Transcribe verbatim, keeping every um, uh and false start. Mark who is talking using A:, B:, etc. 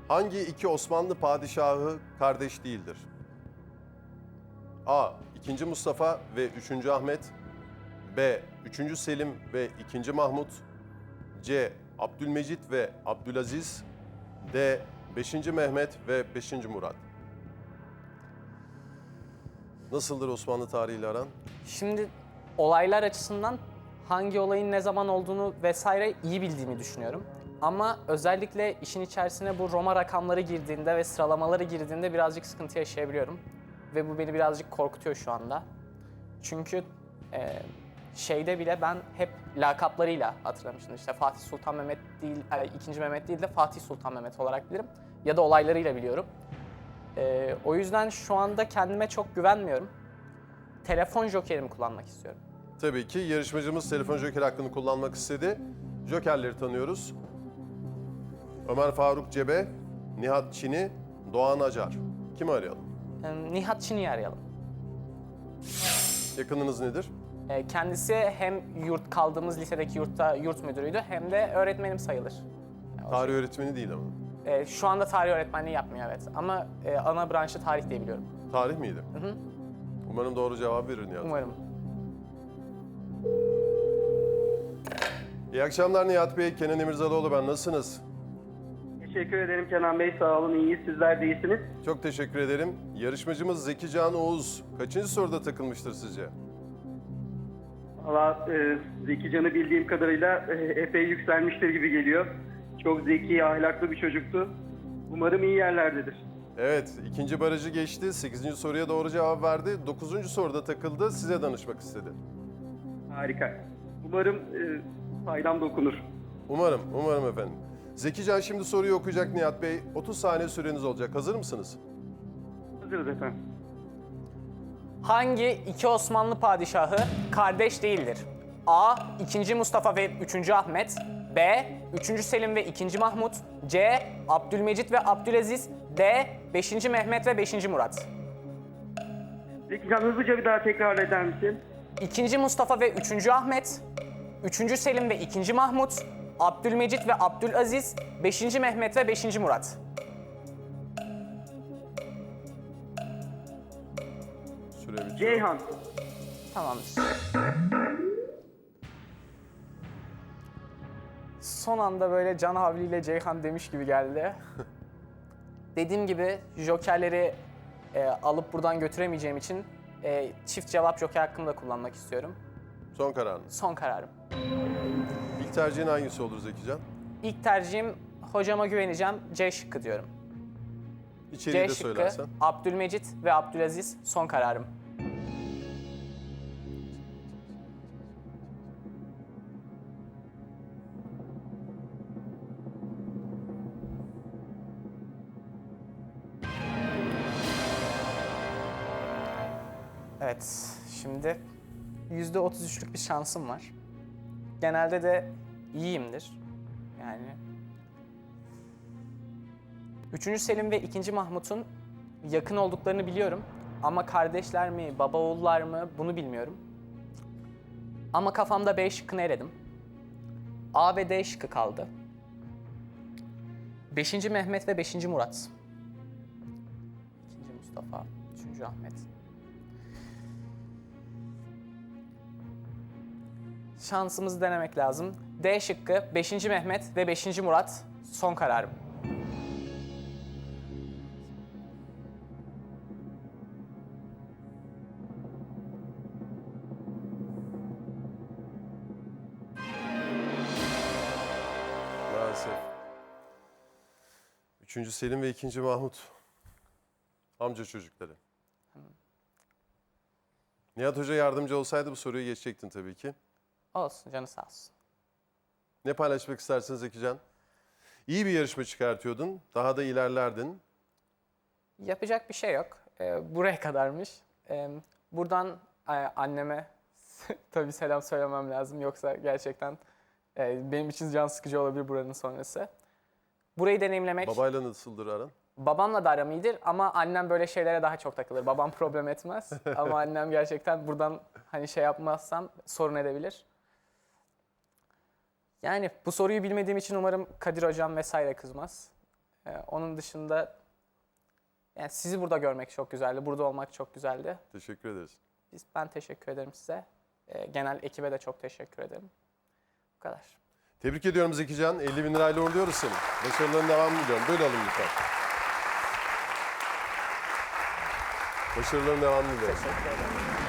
A: Hangi iki Osmanlı padişahı kardeş değildir? A. ikinci. Mustafa ve üçüncü. Ahmet. B. üçüncü. Selim ve ikinci. Mahmut. C. Abdülmecit ve Abdülaziz. D. beşinci. Mehmet ve beşinci. Murat. Nasıldır Osmanlı tarihiyle aran?
B: Şimdi olaylar açısından hangi olayın ne zaman olduğunu vesaire iyi bildiğimi düşünüyorum. Ama özellikle işin içerisine bu Roma rakamları girdiğinde ve sıralamaları girdiğinde birazcık sıkıntı yaşayabiliyorum. Ve bu beni birazcık korkutuyor şu anda. Çünkü e, şeyde bile ben hep lakaplarıyla hatırlamıştım. İşte Fatih Sultan Mehmet değil, e, ikinci. Mehmet değil de Fatih Sultan Mehmet olarak bilirim. Ya da olaylarıyla biliyorum. E, o yüzden şu anda kendime çok güvenmiyorum. Telefon jokerimi kullanmak istiyorum.
A: Tabii ki yarışmacımız telefon joker hakkını kullanmak istedi. Jokerleri tanıyoruz. Ömer Faruk Cebe, Nihat Çini, Doğan Acar. Kimi arayalım?
B: E, Nihat Çini'yi arayalım.
A: Yakınınız nedir?
B: E, kendisi hem yurt kaldığımız lisedeki yurtta yurt müdürüydü hem de öğretmenim sayılır. Yani o
A: Tarih öğretmeni değil ama.
B: şey- e, şu anda tarih öğretmenliği yapmıyor evet ama e, ana branşı tarih diye biliyorum.
A: Tarih miydi?
B: Hı hı.
A: Umarım doğru cevap verir Nihat.
B: Umarım.
A: İyi akşamlar Nihat Bey, Kenan Emirzalıoğlu ben. Nasılsınız?
C: Teşekkür ederim Kenan Bey, sağ olun, iyiyiz. Sizler de iyisiniz.
A: Çok teşekkür ederim. Yarışmacımız Zeki Can Oğuz kaçıncı soruda takılmıştır sizce?
C: Valla e, Zeki Can'ı bildiğim kadarıyla e, epey yükselmiştir gibi geliyor. Çok zeki, ahlaklı bir çocuktu. Umarım iyi yerlerdedir.
A: Evet, ikinci barajı geçti. Sekizinci soruya doğru cevap verdi. Dokuzuncu soruda takıldı. Size danışmak istedi.
C: Harika. Umarım e, faydam dokunur.
A: Umarım, umarım efendim. Zeki Can şimdi soruyu okuyacak Nihat Bey. otuz saniye süreniz olacak. Hazır mısınız?
C: Hazırız efendim.
B: Hangi iki Osmanlı padişahı kardeş değildir? A. ikinci. Mustafa ve üçüncü. Ahmet. B. üçüncü. Selim ve ikinci. Mahmut. C. Abdülmecit ve Abdülaziz. D. beşinci. Mehmet ve beşinci. Murat.
C: Zeki Can, hızlıca bir daha tekrar eder misin?
B: ikinci. Mustafa ve üçüncü. Ahmet. üçüncü. Selim ve ikinci. Mahmut. Abdülmecit ve Abdülaziz. beşinci. Mehmet ve beşinci. Murat.
A: Süre bitiyor.
C: Ceyhan.
B: Tamamdır. Son anda böyle can havliyle Ceyhan demiş gibi geldi. Dediğim gibi jokerleri e, alıp buradan götüremeyeceğim için e, çift cevap joker hakkımı da kullanmak istiyorum.
A: Son kararınız.
B: Son kararım.
A: İlk tercihin hangisi olur Zeki Can?
B: İlk tercihim hocama güveneceğim. C şıkkı diyorum.
A: İçeriği
B: C
A: de
B: şıkkı,
A: söylersen.
B: Abdülmecit ve Abdülaziz son kararım. Evet, şimdi yüzde otuz üçlük bir şansım var. Genelde de iyiyimdir. Yani üçüncü. Selim ve ikinci. Mahmut'un yakın olduklarını biliyorum. Ama kardeşler mi, baba oğullar mı bunu bilmiyorum. Ama kafamda B şıkkını eledim. A ve D şıkkı kaldı. beşinci. Mehmet ve beşinci. Murat. ikinci. Mustafa, üçüncü. Ahmet. Şansımızı denemek lazım. D şıkkı, beşinci. Mehmet ve beşinci. Murat son kararım.
A: Maalesef. Üçüncü Selim ve ikinci Mahmut. Amca çocukları. Nihat Hoca yardımcı olsaydı bu soruyu geçecektin tabii ki.
B: Olsun, canı sağ olsun.
A: Ne paylaşmak istersiniz Zeki Can? İyi bir yarışma çıkartıyordun. Daha da ilerlerdin.
B: Yapacak bir şey yok. Ee, buraya kadarmış. Ee, buradan e, anneme tabii selam söylemem lazım. Yoksa gerçekten e, benim için can sıkıcı olabilir buranın sonrası. Burayı deneyimlemek...
A: Babayla nasıldır aran?
B: Babamla da aram iyidir ama annem böyle şeylere daha çok takılır. Babam problem etmez ama annem gerçekten buradan hani şey yapmazsam sorun edebilir. Yani bu soruyu bilmediğim için umarım Kadir hocam vesaire kızmaz. Ee, onun dışında yani sizi burada görmek çok güzeldi. Burada olmak çok güzeldi.
A: Teşekkür ederiz.
B: Biz, ben teşekkür ederim size. Ee, genel ekibe de çok teşekkür ederim. Bu kadar.
A: Tebrik ediyorum Zekican. elli bin lirayla uğurluyoruz seni. Başarıların devamını diliyorum. Böyle alın lütfen. Başarıların devamını diliyorum.
B: Teşekkür ederim.